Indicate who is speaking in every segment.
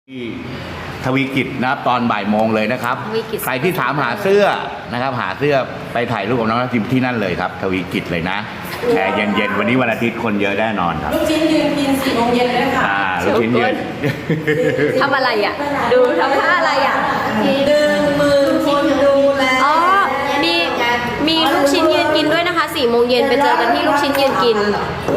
Speaker 1: ที่ทวีกิจนะครับตอนบ่ายโมงเลยนะครับ
Speaker 2: ทวีกิจ
Speaker 1: ใครที่ถามหาเสื้อนะครับ หาเสื้อไปถ่ายรูปกับน้องทัพทิมที่นั่นเลยครับ ทวีกิจเลยนะแอร์เย็นๆวันนี้วันอาทิตย์คนเยอะแน่นอนครับ
Speaker 3: ลูกชิ้นยืนกิน4 โมงเย็นเลยค่ะ
Speaker 1: ลูกชิ้นเย็น
Speaker 2: ทำอะไรอ่ะ ดูทำท่าอะไรอ่ะ
Speaker 3: ดึงมือคนดูแล
Speaker 2: อ๋อ มีลูกชิ้นยืนกินด้วยนะคะ4 โมงเย็นไปเจอกันที่ลูกชิ้นยืนกิน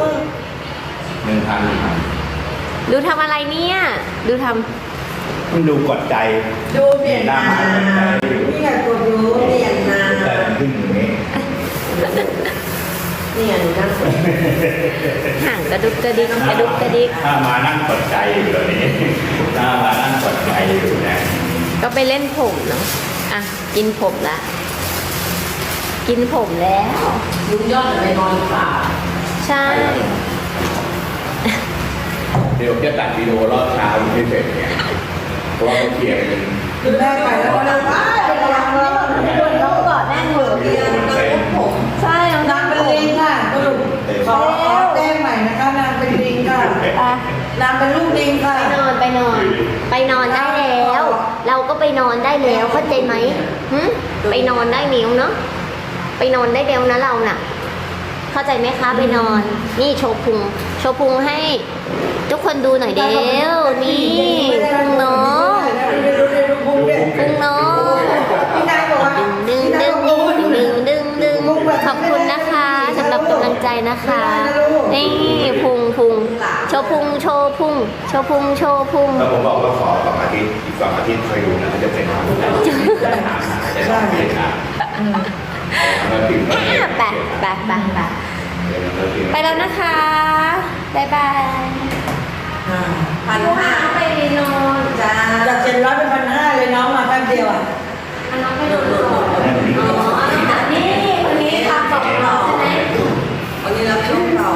Speaker 1: 1,000
Speaker 2: ดูทำอะไรเนี่ย ดูท
Speaker 1: มันดูกดใจ
Speaker 3: ดูเปลี่ยน
Speaker 1: หน้า
Speaker 3: นา
Speaker 1: หมา
Speaker 3: นี่ไงกดดูเปลี่ยนนา
Speaker 1: แต่มันขึ้นอย่างนี้
Speaker 3: นี่ไงหนูนั่ง
Speaker 2: ำห่างกระดุกกระดิกกระดุกกระดิก
Speaker 1: ถ้ามานั่งกดใจอยู่ตอนนี้ถ้ามานั่งกดใจอยู่นะ
Speaker 2: ก็ไปเล่นผมเนาะ อ่ะ กินผมละ กินผมแล้ว
Speaker 3: ลุงยอดไปนอนหรือเปล่า
Speaker 2: ใช่
Speaker 1: เดี๋ยวจะตัดวิดีโอรอบเช้าที่เสร็จเนี่ยเพราะว่าเขาเคลียร์กัน
Speaker 3: คือแม่ไปแล้วก็นั่งเป็นรังเลย
Speaker 2: น้องกอดแน่นหัว
Speaker 1: วิดีโอมันเต็ม
Speaker 3: ผม
Speaker 2: ใช่น้อง
Speaker 3: นางเป็นลิงค่ะสรุปขอแจ้งใหม่นะคะนางเป็นลิงค่ะ
Speaker 2: ไป
Speaker 3: นางเป็นลูกลิงค่ะ
Speaker 2: นอนไปนอน ไปนอนได้แล้ว เราก็ไปนอนได้แล้วเข้าใจไหมหึไปนอนได้นิ้วเนาะไปนอนได้เร็วนะเราน่ะ เข้าใจไหมคะไปนอน นี่โชว์พุงโชว์พุงให้ ทุกคนดูหน่อยเดียวนี่พุงน้องพุงน้อง
Speaker 3: พี่นายบอกว่า
Speaker 2: ดึงดึงดึงดึงดึงขอบคุณนะคะสำหรับกำลังใจนะคะนี่พุงโชว์พุงโชว์พุงโชว์พุงโชว์พุง
Speaker 1: แล้วผมบอกว่าขอ2 อาทิตย์อีก2 อาทิตย์คอยดูนะเขาจะเป็นทางจะต้องเปลี่ยนนะแล้วถึง
Speaker 2: ไปไปแล้วนะคะบ๊ายบาย
Speaker 3: 1,500
Speaker 2: ไปนอน
Speaker 3: จ้าจาก700เป็น1,500เลยน้องมาแป๊บเดียวอ่ะ
Speaker 2: น้องไปนอนอ๋อนี่คนนี้ทำกับเราใช่ไหม
Speaker 3: วันนี้เราไม่ต้องต่อ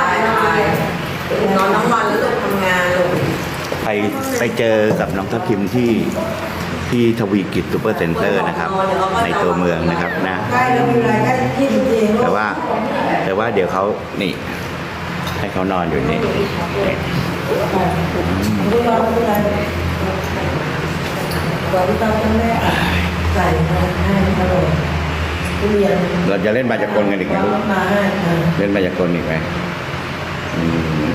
Speaker 3: ไปนอนทั้งวันแล้วลูกทำงานลูก
Speaker 1: ไปเจอกับน้องทัพทิมที่ทวีกิจซูเปอร์เซ็นเตอร์นะครับ ในตัวเมืองนะครับนะ
Speaker 3: ใกล้แล้วมีอะไรใกล้ที่จริงๆ
Speaker 1: แต่ว่าเดี๋ยวเขานี่ ให้เขานอนอยู่นี่
Speaker 3: ลูกเราเป็นไรก่อนที่ต้องแม่ใส่ให้ตลอดทุเรียน
Speaker 1: เราจะเล่นบาจากลกันอีกไหมลูก
Speaker 3: มาให้
Speaker 1: เล่นบาจากลอีกไหมอืม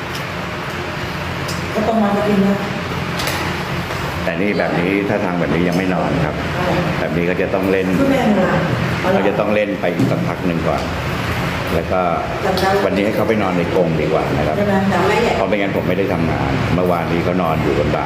Speaker 3: ก็ต้องมากินนะ
Speaker 1: แต่นี่แบบนี้ถ้าทางแบบนี้ยังไม่นอนครับ แบบนี้ก็จะต้องเล่น
Speaker 3: คุณแม่มา
Speaker 1: เขาจะต้องเล่นไปอีกสักพักหนึ่งก่อน แล้วก็วันนี้ให้เขาไปนอนในกรงดีกว่านะครับ
Speaker 3: ใช่ไหมแต่แม่ใหญ่
Speaker 1: เพราะไม่งั้นผมไม่ได้ทำงาน เมื่อวานนี้เขานอนอยู่บนบ่า